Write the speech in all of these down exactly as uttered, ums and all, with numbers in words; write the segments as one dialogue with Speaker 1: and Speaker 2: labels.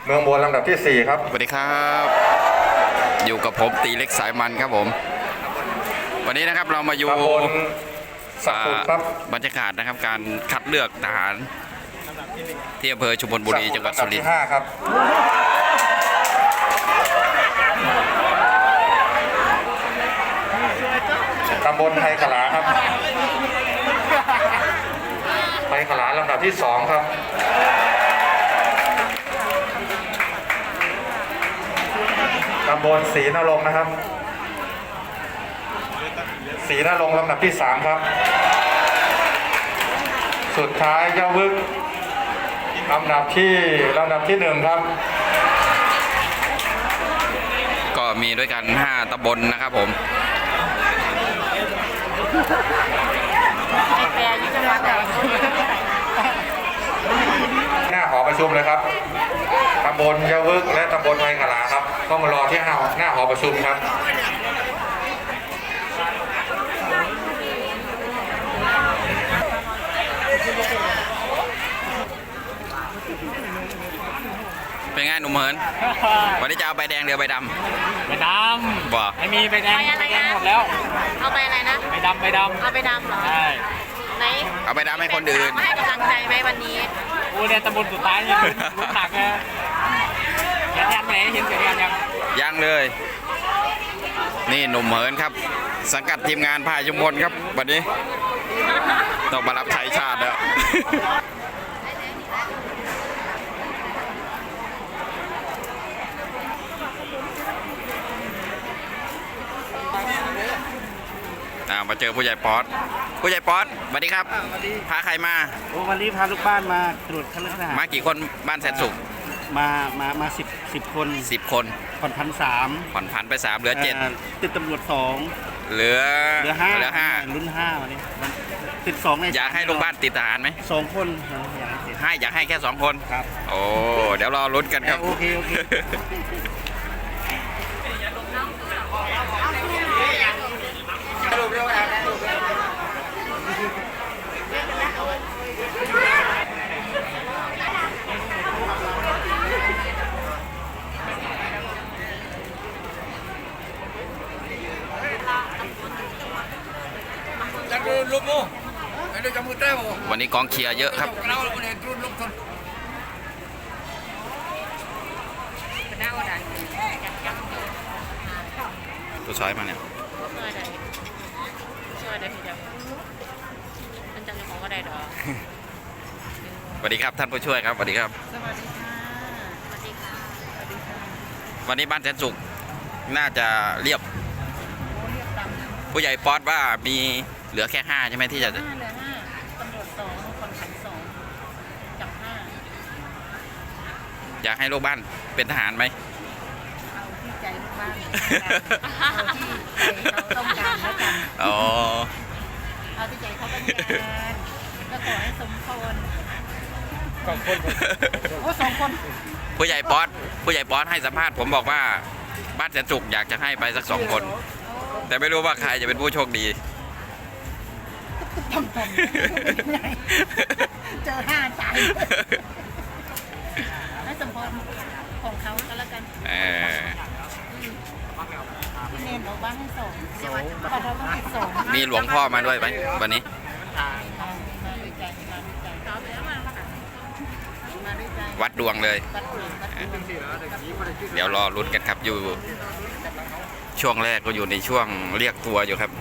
Speaker 1: เมืองบนลำดับที่สี่ครับ
Speaker 2: สวัสดีครับอยู่กับผมตีเล็กสายมันครับผมวันนี้นะครับเรามาอยู่บรรยากาศนะครับการคัดเลือกทหารที่อำเภอชุมพลบุรีจังหวัดสุรินทร์
Speaker 1: ครับตำบลไทยขลาครับไทยขลาลำดับที่สองครับตำบลศรีนรงค์นะครับศรีนรงค์ลำดับที่สามครับสุดท้ายเจ้าวึกลำดับที่ลำดับที่หนึ่งครับ
Speaker 2: ก็มีด้วยกันห้าตำบลนะครับผม
Speaker 1: หน้าหอประชุมเลยครับตำบลเจ้าวึกและตำบลไทยขลาครับต้องมารอที่หน้าหน้าหอประชุมครับ
Speaker 2: เป็นไงหนุ่มเหินวันนี้จะเอาใบแดงหรือใบด
Speaker 3: ำใบดำ
Speaker 2: บ่
Speaker 3: ไม่มีใบแดงใบแดงหมดแล้ว
Speaker 4: เอาไปอะไรนะ
Speaker 3: ใบดำใบดำ
Speaker 4: เอาไปดำเหรอ
Speaker 3: ใช่
Speaker 4: ไหน
Speaker 2: เอาใบดำให้คนอื่น
Speaker 4: ให้กำลังใจไหมวันนี้
Speaker 3: โอ้เนี่ยตำบลสุดท้ายยังลุ้นหนักเลยเห็นยันไหนเห็นเสียยันยัง
Speaker 2: ยังเลยนี่หนุ่มเหินครับสังกัดทีมงานพายชุมพลครับวันนี้ต้องมารับใช้ชาติแล้วมาเจอผู้ใหญ่ป๊อตผู้ใหญ่ป๊อตสวัสดีครับพาใครมา
Speaker 5: โอ้วันนี้พาลูกบ้านมาตรวจคัดเลือกทหาร
Speaker 2: มากี่คนบ้านแสนสุข
Speaker 5: มามามาสิบสิบคน
Speaker 2: สิบคน
Speaker 5: ผ่อนพันสาม
Speaker 2: ผ่อนพันไปสามเหลือเจ็ด
Speaker 5: ติดตำรวจสอง
Speaker 2: เหลือ
Speaker 5: เหลือห้า
Speaker 2: เหลือห้า
Speaker 5: รุ่นห้าวันนี้ติดสองใน
Speaker 2: อยากให้ลูกบ้านติดทหารไหม
Speaker 5: สองคน
Speaker 2: ให้อยากให้แค่สองคน
Speaker 5: ครับ
Speaker 2: โอ้เดี๋ยวรอลุ้นกันครับ
Speaker 5: โอเคโอเค
Speaker 2: วันนี้กองเชียร์เยอะครับตัวช้อยมาเนี่ยสวัสดีครับท่านผู้ช่วยครับสวัสดีครับ
Speaker 4: สวัสดีค่ะสวัสดีค่ะสวัสดีค่ะ
Speaker 2: วันนี้บ้านแสนสุขน่าจะเรียบผู้ใหญ่ป๊อตว่ามีเหลือแค่ห้าใช่ไหมที่จะ
Speaker 4: เหลือห้าตำรวจสองคนขันสองจับห้า
Speaker 2: อยากให้ลูกบ้านเป็นทหารไหม
Speaker 4: เอาที่ใจลูกบ้านเอาที่ใจเขาต้องการแล้วกัน
Speaker 2: อ๋อ
Speaker 4: เอาที่ใจเขาต้องการก็ขอให้สมพร
Speaker 5: สองคน
Speaker 4: โอ้สองคน
Speaker 2: ผู้ใหญ่ป๊อตผู้ใหญ่ป๊อตให้สัมภาษณ์ผมบอกว่าบ้านแสนสุขอยากจะให้ไปสักสองคนแต่ไม่รู้ว่าใครจะเป็นผู้โชคดี
Speaker 4: ทำตรงเจอห้าใจให้สมพรของเขาก็แล้วกัน
Speaker 2: เออ
Speaker 4: พี่เนนบอกว่าให้สองพอเราต้องติดสอง
Speaker 2: มีหลวงพ่อมาด้วยไหมวันนี้วัดดวงเลยเดี๋ยวรอลุ้นกันครับอยู่ช่วงแรกก็อยู่ในช่วงเรียกตัวอยู่ครับ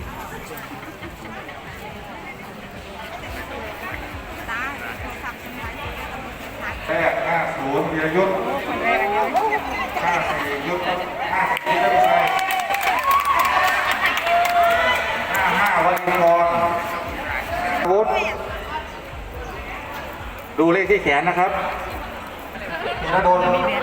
Speaker 1: แรกห้าศูนย์วีรยุทธ์ห้าสี่ยุทธ์ห้าสี่ยุทธ์ไม่ใช่ห้าห้าวันกรวุฒิดูเลขที่แขนนะครับธนดล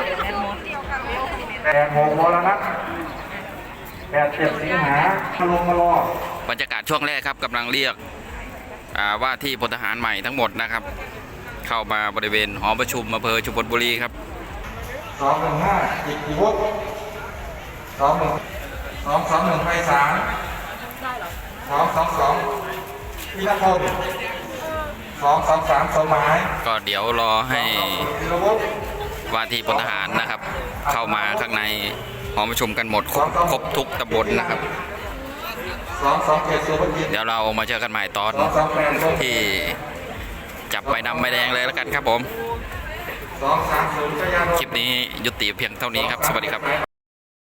Speaker 1: แปดหกวรนัทแปดเจ็ดสิงหาพลงมาร
Speaker 2: อบรรยากาศช่วงแรกครับกำลังเรียกว่าที่พลทหารใหม่ทั้งหมดนะครับเข้ามาบริเวณหอประชุมอำเภอชุมพลบุรีครับ
Speaker 1: สองหนึ่งห้าจิตติวุฒิสองหนึ่งสองสองหนึ่งไพศาลสองสองสองพิรพงศ์สองสองสามสมัย
Speaker 2: ก็เดี๋ยวรอให้ว่าที่พลทหารนะครับ เข้ามาข้างในหอประชุมกันหมดครบครบทุกตำบลนะครับ
Speaker 1: สองสองเจ็ดสุภกิจ
Speaker 2: เดี๋ยวเรามาเจอกันใหม่ตอน
Speaker 1: สองสองแปด
Speaker 2: ที่จับใบดำใบแดงเลยแล้วกันครับผม
Speaker 1: สองสามศูนย์ชยานนท์
Speaker 2: คลิปนี้ยุติเพียงเท่านี้ครับ สวัสดีครับ